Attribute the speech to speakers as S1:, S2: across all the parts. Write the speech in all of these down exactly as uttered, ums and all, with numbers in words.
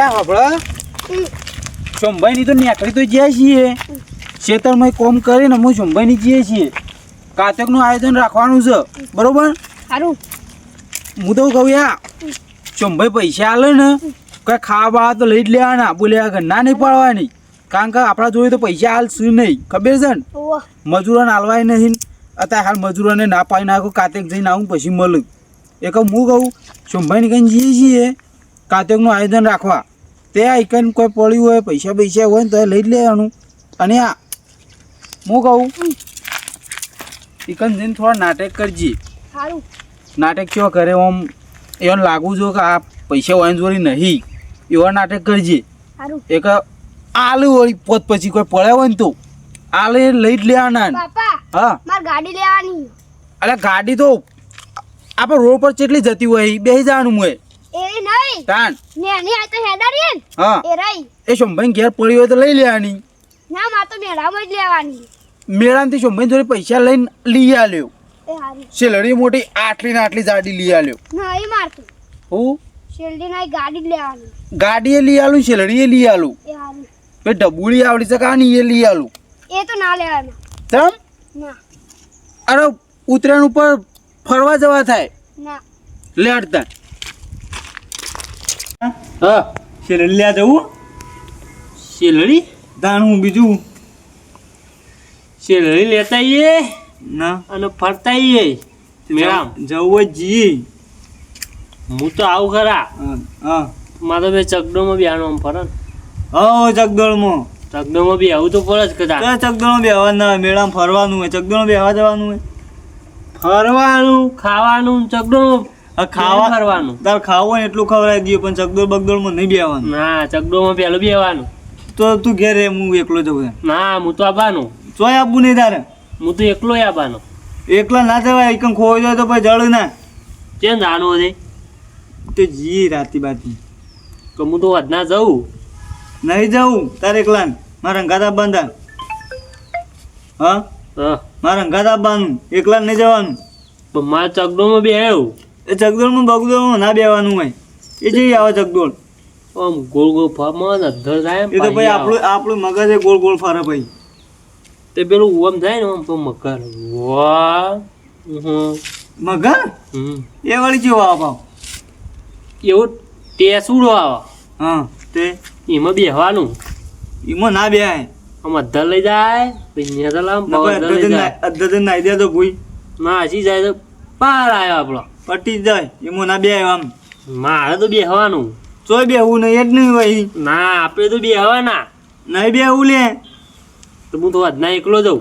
S1: આપડે શંભાઈ ની તો નેકડી તો જ્યાં છીએ ખેતરમાં કોમ કરીને હું શંભાઈ ની જઈએ છીએ કાતક નું આયોજન રાખવાનું છે બરોબર
S2: સારું
S1: હું તો કહું યા શંભાઈ પૈસા આલે ને કઈ ખાવા તો લઈ જ લેવાના બોલ્યા કે ના નહીં પાડવાની કારણ કે આપણા જોડે તો પૈસા હાલ શું નહીં ખબર છે ને મજૂરોને હાલવાય નહીં અત્યારે હાલ મજૂરોને ના પાડી નાખો કાતક જઈને આવું પછી મળું એક હું કહું શંભાઈને કઈ જઈએ છીએ કાતકનું આયોજન રાખવા તે આઈકન કોઈ પડ્યું હોય પૈસા પૈસા હોય ને તો લઈ જ લેવાનું અને આ હું કહું ઇકન જઈને થોડા નાટક કરજે
S2: સારું
S1: નાટક કેવા કરે આમ એને લાગવું જો કે આ પૈસા હોય જોડી નહીં એવા નાટક કરજે
S2: સારું
S1: એક આલુ વળી પોત પછી કોઈ પડ્યા હોય ને તો આલે લઈ જ લેવાના
S2: પાપા
S1: હા
S2: માર ગાડી લેવાની
S1: અરે ગાડી તો આપણે રોડ પર કેટલી જતી હોય બેસી જવાનું હોય
S2: એ નહીં
S1: તાન
S2: ને ની આ તો હેડારી ને
S1: હા
S2: એ રહી
S1: એ શંભાઈ ઘેર પડી હોય તો લઈ લેવાની
S2: ના માં તો મેળામાં જ લેવાની
S1: મેળામાંથી શંભાઈ જોડે પૈસા લઈને લઈ આલ્યો
S2: એ હારી
S1: સેલરી મોટી આટલી ને આટલી જાડી લઈ આલ્યો
S2: નહીં મારતું
S1: હું
S2: શેરડી ના ગાડી જ લેવાની
S1: ગાડીએ લઈ આલું સેલરીએ લઈ આલું
S2: એ હારી
S1: પે ડબુડી આવડી છે કાની એ લઈ આલું
S2: એ તો ના લેવાના
S1: તમ
S2: ના
S1: અરે ઉત્તરાયણ ઉપર ફરવા જવા થાય
S2: ના
S1: લે અડતા હા
S3: શેરડી લ્યા જવું
S1: સેલરી
S3: દાણું બીજું
S4: શેરડી લેતા આવીએ
S3: ના
S4: અને ફરતા આવીએ મેળામ
S3: જવું જ જી
S4: હું તો આવું ખરા
S3: હા હા
S4: મારે બે ચકડોમાં બી આનો ફરે ને
S3: હા ચકદોળમાં
S4: ચકડોમાં બી આવું તો પડે જ કદાચ
S3: તો ચકદોળમાં બેહવાનું ના હોય મેળામાં ફરવાનું હોય ચકદોળમાં બેહવા જવાનું હોય
S4: ફરવાનું ખાવાનું ચકડોમાં
S3: આ ખાવા
S4: ફરવાનું
S3: તાર ખાવું હોય ને એટલું ખવડાવી દઈએ પણ ચકદોળ બગદોળમાં નહીં બેહવાનું
S4: ના ચકડોમાં પેલું બી આવવાનું
S3: તો તું ઘેર રે હું એકલો જવું
S4: ના હું તો આવવાનું
S3: ચોય આપવું નહીં તારે
S4: હું તો એકલો આવવાનો
S3: એકલા ના જવાય એકમ ખોઈ જાય તો પછી જળ ના
S4: કેમ જાણવું છે
S3: તો જી રાતી બાતી
S4: કે હું તો વધના જઉં
S3: નહીં જવું તારે એકલા મારા અંગાતા બાંધા હા
S4: હા
S3: મારા અંગાત આપવાનું એકલા નહીં જવાનું
S4: પણ મારા ચકડોમાં બી આવ્યું
S3: એ ચકદોળમાં બગદોળમાં ના બેવાનું હોય એ જઈ આવે ચકદોળ
S4: આમ ગોળ ગોળ ફરમાં અધર થાય એમ
S3: એ તો ભાઈ આપણું આપણું મગજ એ ગોળ ગોળ ફરે ભાઈ
S4: તે પેલું ઓમ થાય ને આમ તો મકર વાહ હમ
S3: મગર
S4: હમ
S3: એ વળી જેવો આવે ભાવ
S4: એવું ટેસુડો આવે
S3: હા તે
S4: એમાં બેહવાનું
S3: એમાં ના બેહાય
S4: આમ અધર લઈ જાય પછી નેતા લાવ અધર લઈ જાય
S3: અધ્ધર નાઈ દે તો ભૂઈ
S4: ના હસી જાય તો પાર આવ્યો આપણો
S3: પટી જ જાય એમાં ના બેહાય આમ
S4: મારે તો બેહવાનું
S3: ચોય બેહવું નહીં જ નહીં ભાઈ
S4: ના આપણે તો બેહવાના
S3: નહીં બેહવું લે
S4: તો હું તો આજના એકલો જાઉં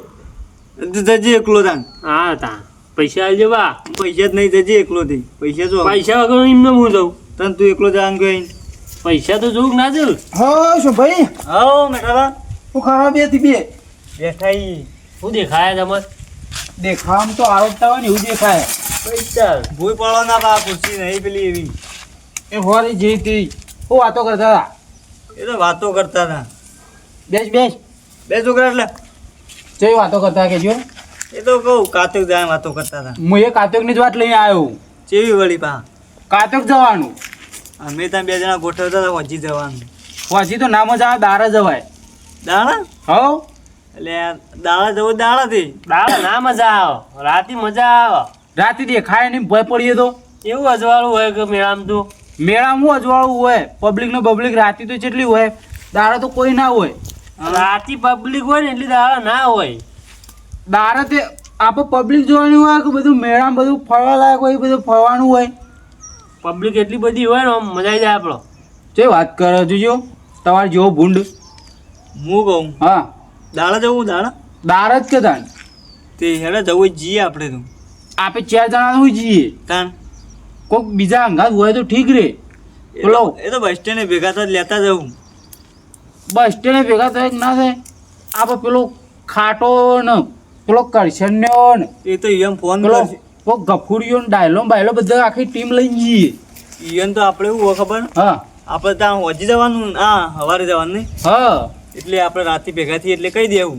S3: જજે એકલો તાન
S4: હા તા પૈસા આવજો બા
S3: પૈસા જ નહીં જજે એકલો થી પૈસા જો
S4: પૈસા વગર એમને હું જાઉં
S3: તને તું એકલો જવાનું કઈ
S4: પૈસા તો જોઉં કે ના જોઉં
S1: હા શંભાઈ
S3: હા મેઠાલા
S1: હું ખાવા બે થી બે
S3: બેઠા
S4: શું દેખાય તમારે
S1: દેખામ તો આરોપતા હોય ને એવું દેખાય
S4: પૈસા
S3: ભૂઈ પડો ના પા ખુરશી નહીં પેલી એવી
S1: એ હોરી જે તે હું વાતો કરતા હતા
S3: એ તો વાતો કરતા હતા
S1: બેસ બેસ
S3: બે છોકરા એટલે
S1: જઈ વાતો કરતા કેજો
S3: એ તો કહું કાતક જાય વાતો કરતા હતા
S1: હું એ કાતકની જ વાત લઈને આવ્યો
S3: ચેવી વળી પા
S1: કાતક જવાનું
S3: અમે ત્યાં બે જણા ગોઠવતા હતા વજી જવાનું
S1: પછી તો ના મજા આવે દારા જવાય
S3: દાણા
S1: હો
S3: એટલે દાણા જવું દાણાથી
S4: દાળ ના મજા આવે રાતે મજા આવે
S1: રાતે દેખાય નહીં ભય પડીએ તો
S4: એવું અજવાળું હોય કે મેળામાં તો
S1: મેળામાં અજવાળું હોય પબ્લિક ને પબ્લિક રાતે તો કેટલી હોય દારા તો કોઈ ના હોય
S4: રાતે પબ્લિક હોય ને એટલી દાળ ના હોય
S1: દારા તે આપણે પબ્લિક જોવાની હોય કે બધું મેળામાં બધું ફરવા લાયક હોય એ બધું ફરવાનું હોય
S4: પબ્લિક એટલી બધી હોય ને આમ મજા આવી જાય આપણો
S1: જે વાત કરો જોજો તમારે જેવો ભૂંડ
S3: હું કહું
S1: હા
S3: દાણા જવું દાણા
S1: દાર જ કે તાન
S3: તે હેડે જવું જ જઈએ આપણે તો
S1: આપણે ચાર જણા હોય જઈએ
S3: તાન
S1: કોઈક બીજા અંગાત હોય તો ઠીક રે
S3: એ
S1: બોલો
S3: તો- એ તો બસ સ્ટેન્ડે ભેગા તો લેતા જવું
S1: બસ સ્ટેન્ડે ભેગા થાય કે ના થાય આપણે પેલો ખાટો ને પેલો કરશન્યો ને
S3: એ તો એમ ફોન
S1: પેલો
S3: કરશે
S1: પેલો ગફુરીઓ ને ડાયલો ને બાયલો બધા આખી ટીમ લઈને જઈએ
S3: ઈયન તો આપણે એવું હોય ખબર
S1: હા
S3: આપણે ત્યાં વજી જવાનું ને હા સવારે જવાનું નહીં
S1: હા
S3: એટલે આપણે રાતે ભેગા થઈએ એટલે કહી દેવું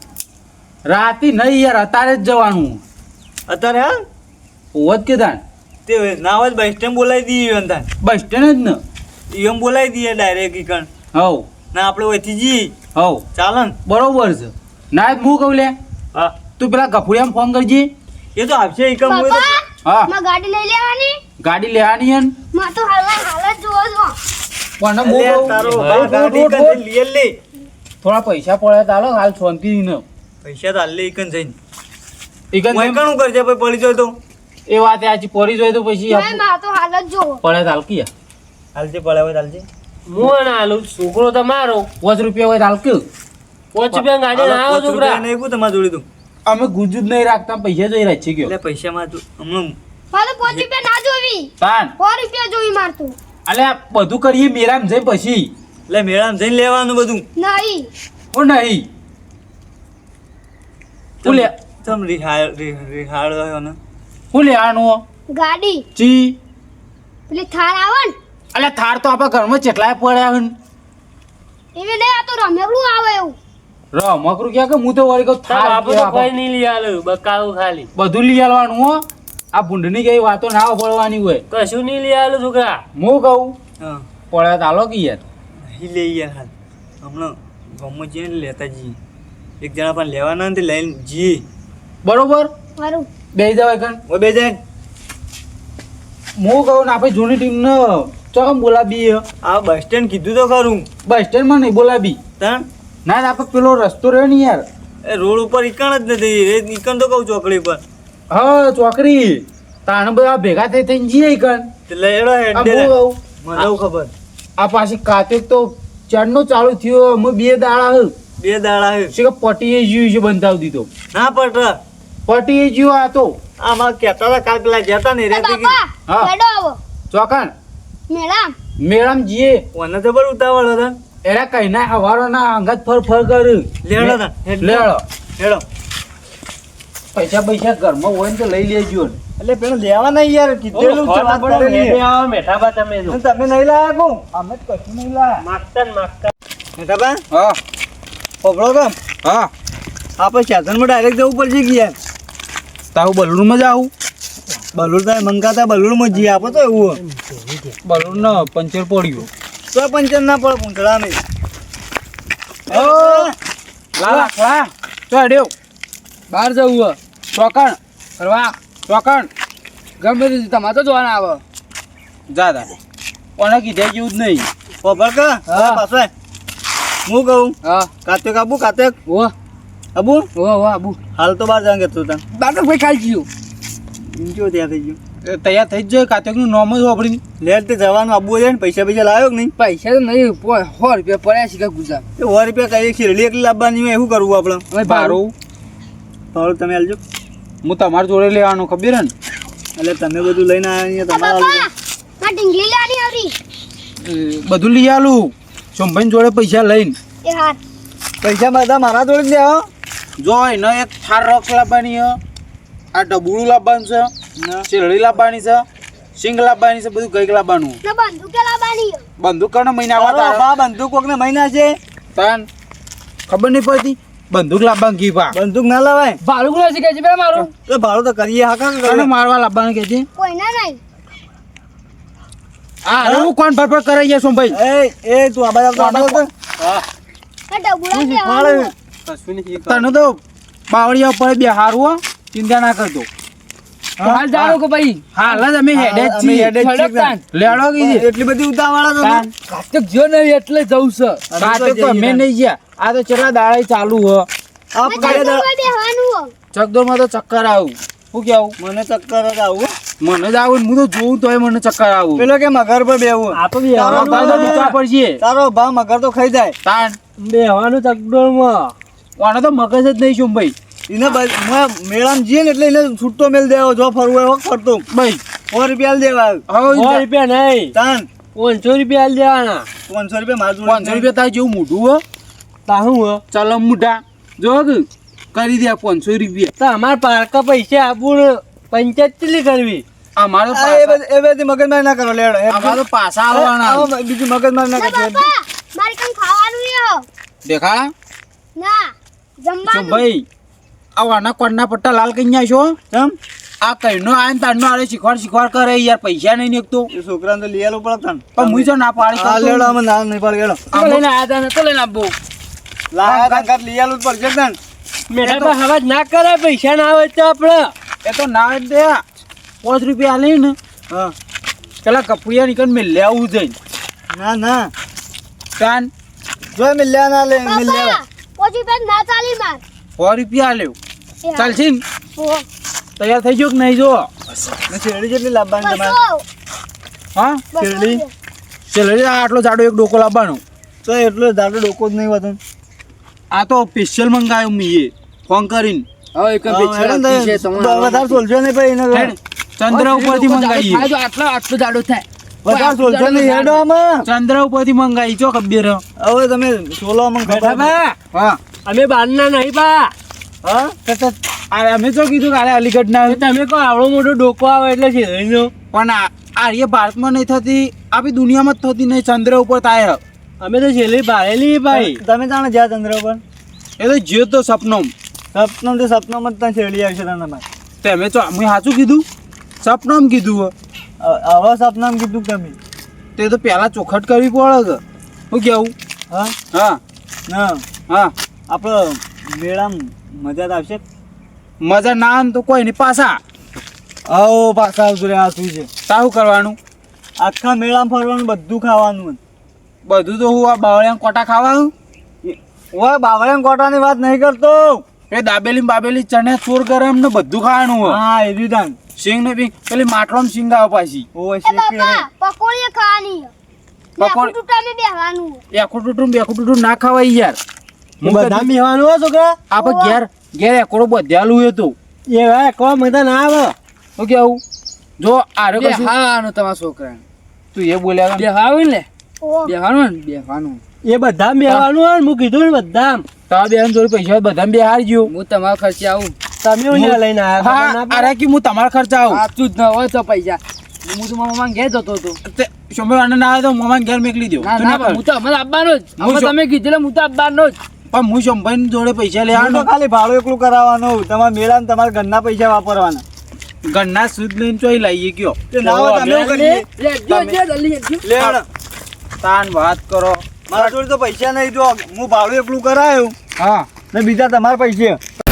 S1: રાતે નહીં યાર અત્યારે જ જવાનું
S3: અત્યારે હા
S1: હોત કે તાન
S3: તે ના હોય બસ સ્ટેન્ડ બોલાવી દઈએ એમ તાન
S1: બસ સ્ટેન્ડ જ ને
S3: એમ બોલાવી દઈએ ડાયરેક્ટ ઈકણ
S1: હવ
S3: ના આપણે ઓયથી જી
S1: હવ
S3: ચાલે ને
S1: બરોબર છે ના હું કહું લે
S4: હા
S1: તું પેલા ગફુડિયામાં ફોન કરજે
S3: એ તો આપશે ઈકણ હોય તો
S2: પપ્પા
S1: હા
S2: માં ગાડી લઈ લેવાની
S1: ગાડી લેવાની હે ને
S2: માં તો હાલ હાલ જ જોવો છો
S1: પણ હું
S3: અલ્યા,
S1: કહું,
S3: તારો
S1: ઉઠ,
S3: ભા
S1: ઉઠ,
S3: ગાડી
S1: ઉઠ,
S3: ઈકણ
S1: ઉઠ.
S3: જઈને લઈ લે
S1: થોડા પૈસા પડે તાલો હાલ શાંતિ ન
S3: પૈસા તો હાલ લે ઈકણ જઈને
S1: ઈકન
S3: હું ઈકણ કરજે પછી પડી જાય તો
S1: એ વાત આજી પોરી જોઈ તો પછી
S2: નહીં માં તો હાલ જ જોવો
S1: પડે તાલ કિયા
S3: હાલજે પડે હોય હાલજે
S4: હું ના આલું છોકરો તમારો
S1: પાંચ રૂપિયા હોય તાલ કે
S4: પાંચ રૂપિયા ગાડી ના આવો છોકરા
S3: નહીં કું તમારે જોડી તું
S1: અમે ગુજુ જ નહીં રાખતા પૈસા જોઈ રાખી ગયો
S3: એટલે પૈસામાં તું હમણાં
S2: મારે પાંચ રૂપિયા ના જોવી
S1: તાન
S2: સો રૂપિયા જોવી મારતું
S1: અલે આ બધું કરીએ મેરામ જઈ પછી
S3: એટલે મેળામાં જઈને લેવાનું બધું
S2: નહીં
S1: ઓ નહીં હું લે
S3: તમ રિહાળ રિ- રિહાળ રહ્યો ને
S1: હું લેવાનું
S2: ગાડી
S1: ચી
S2: પેલી થાર આવે ને
S1: અલે થાર તો આપણા ઘરમાં ચેટલાય પડ્યા હન
S2: એવી નહીં આ તો રમેલું આવે એવું
S1: રમકરું ક્યાં કે હું તો વળી કહું
S4: તાર
S1: થાર
S4: બાપુ તો
S1: કેવા
S4: કોઈ નહીં લઈ આલું બકાવું ખાલી
S1: બધું લઈ આવવાનું હો આ ભૂંડની કઈ વાતો ના પડવાની હોય
S4: કશું નહીં લઈ આલું છોકરા
S1: હું કહું
S3: હા
S1: પડ્યા તાલો કે યાર
S3: અહીં લઈ યાર હાલ હમણાં ગામમાં જઈએ ને લેતા જઈએ એક જણા પણ લેવાના ને તે લઈને જઈએ
S1: બરોબર
S2: મારું
S1: બે જવાય કણ
S3: ઓ બે જાય
S1: હું કહું ને આપણે જૂની ટીમને ચોકમ બોલાવી
S3: આ બસ સ્ટેન્ડ કીધું તો ખરું
S1: બસ સ્ટેન્ડમાં નહીં બોલાવી
S3: તાણ
S1: ના ના આપણે પેલો રસ્તો રહ્યો ને યાર
S3: એ રોડ ઉપર ઈકણ જ નથી એ ઈકણ તો કહું ચોકડી પર
S1: હા ચોકરી તાણ બધા ભેગા થઈ થઈને જઈએ કણ
S3: તે લેડો
S1: આ
S3: હેડે
S1: હું કહું
S3: મને એવું ખબર
S1: આ પાછી કાતિક તો ચારનો ચાલુ થયો અમે બે દાડા હે
S3: બે દાડા હે
S1: છે કે પટીએ જીવ છે બંધાવી દીધો
S3: ના પટ
S1: પટીએ જીવ આ તો
S3: આમાં કહેતા હતા કાલ પેલા જતા ને
S2: એ
S3: રે
S2: બાપા
S1: હા.
S2: હેડો આવો
S1: ચોકણ
S2: મેડમ
S1: મેળામ જીએ
S3: ઓને તો બળ ઉતાવળ હતા
S1: એરા કઈ ના હવારો ના અંગત ફર ફર કર
S3: લેડો તા
S1: લેડો
S3: હેડો
S1: પૈસા પૈસા ઘરમાં હોય ને તો લઈ લેજો ને
S3: એટલે પેલો લેવાના યાર કીધેલું છે વાત કરેલી છે.
S4: મેઠા બા તમે જો
S3: અને તમે નહીં લાયા કો અમે જ કશું નહીં લાયા
S4: માગતા ને માગતા
S3: મેઠા બા
S1: હા
S3: પોપડો કામ
S1: હા
S3: આપણે સાધનમાં ડાયરેક્ટ જવું પડશે કે યાર
S1: તારું બલૂનમાં જ આવું
S3: બલુર થાય મંગાતા બલુરમાં જી આપો તો એવું
S1: બલૂન ને પંચર પડ્યું
S3: તો પંચર ના પડે પૂંછડા નહીં
S1: ઓ લાલા ખલા ચો અડ્યો બહાર જવું ચોકણ ફરવા ચોકણ ગમે તે તમારે તો જોવાના આવે જા દા કોને કીધે જેવું જ નહીં
S3: પોપડ કા
S1: હા.
S3: પાછો આય. હું કહું
S1: હા
S3: કાત્યો આબુ કાત્યો
S1: ઓ
S3: આબુ
S1: ઓ ઓ આબુ
S3: હાલ તો બહાર જાંગે તું તાં
S1: બાટો ભાઈ ખાઈ ગયું
S3: જો ત્યાં થઈ ગયું
S1: એ તૈયાર થઈ જ જાય કાત્યોકનું નામ જ વાપરીને
S3: લેટ તે જવાનું આબુ છે ને પૈસા પૈસા લાવ્યો કે નહીં
S1: પૈસા તો નહીં સો રૂપિયા પડ્યા છે કે ગુજરાત
S3: એ સો રૂપિયા કઈ શેરડી એકલી લાવવાની હોય એવું કરવું આપણે
S1: હવે ભાડું
S3: ભાડું તમે આલજો
S1: હું તમારે જોડે લેવાનું ખબર હે ને
S3: એટલે તમે બધું લઈને આવ્યા
S2: આ
S3: તમારે
S2: બાપા માં ઢીંગલી લેવાની આવરી
S1: એ બધું લઈ આલું સોમભાઈ જોડે પૈસા લઈને
S2: એ હાથ
S3: પૈસા બધા મારા જોડે જ લેવા
S1: જો એનો એક થાર રોક્સ લાવવાની છે આ ડબુડું લાવવાનું છે શેરડી લાવવાની છે સિંગ લાવવાની છે બધું કઈક લાવવાનું
S2: ને બંદૂકે લાવવાની છે.
S1: બંદૂક કને મહિના આવતા
S3: બા બંદૂક કોકને મહિના છે
S1: તાન ખબર નહીં પડતી બંદૂક લાવવાનું કી પા
S3: બંદૂક ના લવાય
S1: ભાડું કોને શીખે છે પેલા મારું
S3: તો ભાડું તો કરીએ હા કાં
S1: કને મારવા લાવવાનું કે છે
S2: કોઈના નહીં
S1: હા અરે હું કોણ ફરફર કરાઈ ગયા સોમભાઈ
S3: એ એ તું આ બાજુ આવતો આવતો આવતો.
S2: એ ડબુડા
S3: શું
S2: લેવાનું
S3: શીખવાડે?
S1: તને તો બાવળિયા ઉપર બે હારું હો ચિંતા ના કરતો હાલ જાણો કે ભાઈ હાલ જ અમે હેડે જ
S3: અમે
S1: છીએ
S3: હેડે જ છીએ તાન.
S1: લેડો કીધી
S3: એટલી બધી ઉતાવળા તો
S1: તાન.
S5: કાચક જો નહીં એટલે જવું છે
S1: કાતે તો અમે નહીં ગયા આ તો ચેટલા દાડા ચાલુ હ
S3: આ
S2: ને
S3: પડે તો-
S2: ચક્કરમાં બેહવાનું છે.
S1: ચકદોરમાં તો ચક્કર આવું શું કેવું
S3: મને ચક્કર જ આવું
S1: મને જ આવું ને હું તો જોઉં તોય મને ચક્કર આવું
S3: પેલો કે મગર પર બેવું
S4: આ તો
S1: તારો
S4: બેહવાનું
S1: ભાઈ તો ડૂચા પડશે
S3: તારો ભાવ મગર તો ખાઈ જાય
S1: તાન
S4: બેહવાનું ચકડોળમાં
S1: આને તો મગજ જ નહીં છું ભાઈ
S3: એને બ- મેં મેળામાં જઈએ ને એટલે એને છૂટો મેલ દેવો જો ફરવું હોય હોક ફરતો
S1: ભાઈ
S3: સો રૂપિયા આલી દેવા
S1: હવે
S4: સો રૂપિયા નહીં
S3: તાન
S4: પાંચસો રૂપિયા આલી દેવાના
S3: પાંચસો રૂપિયા માર જોડે
S1: પાંચસો રૂપિયા તારે જેવું મોઢું હો
S4: તાહું હો
S1: ચાલો મુઢા જો કે કરી દે પાંચસો રૂપિયા
S4: તો અમાર પારકા પૈસા આપવું ને પંચાયત ચેટલી કરવી
S1: અમારો
S3: આ એ બધી- એ બધી મગજમારી ના કરો લેડો એ
S1: અમારો પાછા આવવાના
S3: આવો, બીજું મગજમારી ના
S2: ને
S3: કરો
S2: બાપા મારે કંઈ ખાવાનું છે
S1: દેખાડા
S2: ના
S1: જો
S2: જમવાનું
S1: ભાઈ આવાના કોણના પટ્ટા લાલ કઈ છો
S3: ચમ
S1: આ કઈનો આય ને તારનો આરે શીખવાડ શીખવાડ કરે યાર પૈસા નહીં નીકતો
S3: એ છોકરાને તો લઈ આલો પડે તને
S1: પણ મુઈ જો ના પાડી
S3: હા લેડો અમે ના નહીં પાડી લેડો
S5: તો લઈને આયા તા ને તો લઈને આપો
S3: લાયા તા કાટ લઈ આલું જ પડશે તને
S4: મેઠા પર હવા ના કરે પૈસા ના આવે તો આપણે
S1: એ તો ના જ દે પાંચ રૂપિયા આલી ને
S3: હા
S1: પેલા કપુયા નીકળ મેં લેવું જઈ
S3: ના ના
S1: કાન
S3: જો મિલ્યા ના લે મિલ્યા
S2: બાપા ઓછી પેન ના ચાલી માર
S1: સો રૂપિયા આલ્યો
S2: એ હા.
S1: ચાલશે ને
S2: ઓહો.
S1: તૈયાર થઈ ગયો કે નહીં જો
S3: ને શેરડી જેટલી લાવવાની તમારે
S2: બસો.
S1: હા
S2: બસો
S3: શેરડી?
S2: રૂપિયા.
S1: ચલો આટલો જાડો એક ડોકો લાવવાનો
S3: તો એટલો દાડો ડોકો જ નહીં હોતો
S1: આ તો સ્પેશિયલ મંગાવ્યો મેં ફોન કરીને
S5: હવે એક
S3: હા,
S5: બેચેલા
S3: હેડો ને,
S5: છે તમારે
S3: વધારે સોલશો નહીં ભાઈ એને
S1: હેડ, ચંદ્ર ઉપરથી મંગાવીએ
S5: આટલો આટલો જાડો થાય
S3: વધારે સોલશો નહીં હેડો આમાં
S1: ચંદ્ર ઉપરથી મંગાવી ચો ખબર
S3: હવે તમે સોલો અમને ખબર
S4: બા
S1: હા
S4: અમે બહારના નહીં બા
S3: હા
S1: તો તો આ અમે તો કીધું કે આલે અલીગઢ ના
S4: તમે કહો આવડો મોટો ડોકો આવે એટલે શેરડીનો
S1: પણ આ આ એ ભારતમાં નહીં થતી આપી દુનિયામાં જ થતી નહીં ચંદ્ર ઉપર થાય
S4: અમે તો શેરડી ભાડેલી ભાઈ
S3: તમે જાણે જ્યાં ચંદ્ર ઉપર
S1: એ તો જ્યો તો સપનો
S3: સપનો તો સપનામાં જ તને શેરડી આવશે તને ભાઈ
S1: તે અમે તો મેં સાચું કીધું સપનામાં કીધું હો.
S3: હવે સપનામાં કીધું કે તમે
S1: તે તો પહેલા ચોખટ કરવી પડે કે શું કેવું
S3: હા
S1: હા
S3: ના
S1: હા
S3: આપણે મેળામાં મજા તો આવશે
S1: મજા ના આવે ને તો કોઈ નહીં પાછા
S3: આવો પાછા આવતું રે આ શું છે
S1: સારું કરવાનું
S3: આખા મેળામાં ફરવાનું બધું ખાવાનું
S1: બધું તો હું આ બાવળિયા કોટા ખાવાનું
S3: ઓય બાવળિયા કોટાની વાત નહીં કરતો
S1: એ દાબેલી ને બાબેલી ચણે ચોર ગરમ ને બધું ખાવાનું હોય
S3: હા એ રીધાન
S1: સિંગ ને બી પેલી માટલામાં સિંગ આવે પાછી
S3: ઓય
S2: એ
S3: શેકી રે
S2: બાપા પકોડીએ ખાવાની
S1: પકોડી-
S2: પકોડી ટાઈમે બેહવાનું
S1: એકું ટૂટું બેકું ટૂટું ના ખવાય યાર
S4: હું બધા મેવાનું હો છોકરા
S1: આપણે ઘેર ઘેર એકોડો બધ્યાલું હતું
S4: એ ભાઈ કોઈ મજા ના આવે
S1: શું કેવું જો આરે
S5: બે
S1: કશું
S5: હાનું તમારા છોકરાને
S1: તું એ બોલ્યા
S5: બે હાવું ને
S2: ઓહો.
S5: બેહવાનું ને બેહવાનું
S4: એ બધા મેવાનું હોય ને હું કીધું ને બધા
S1: તારા બેન જોડે પૈસા બધા બે હાર ગયો
S5: હું તમારા ખર્ચે આવું
S4: તમે હું ત્યાં લઈને આવ્યા ખબર
S1: હા
S4: ના પડે?
S1: અરે કે હું તમારા ખર્ચા આવું
S5: સાચું જ ન હોય તો પૈસા હું તો મારા મમ્મા ઘેર જતો હતો
S1: તે સોમવારને ના આવે તો મમ્મા ઘેર મોકલી દો
S5: ના
S1: તું
S5: ના
S1: ના કર.
S5: હું તો અમારે આપવાનો જ
S1: હું
S5: અમે
S1: જો-
S5: તમે કીધેલું હું તો આપવાનો જ
S1: પણ હું શંભાઈ જોડે પૈસા
S3: હું તો
S1: લેવાનો
S3: ખાલી ભાડું એકલું કરાવવાનું તમારા મેળામાં તમારા ઘરના પૈસા વાપરવાના
S1: ઘરના સુદ લઈને ચોઈ લાવીએ કયો
S3: તે ના હોય તમે એવું કરીએ
S5: લે, જો, જો, જલ્દી, જલ્દી.
S3: લેણ
S1: તાન વાત કરો
S3: મારા જોડે તો પૈસા નહીં જો હું ભાડું એકલું કરાયું
S1: હા
S3: ને બીજા તમારા પૈસે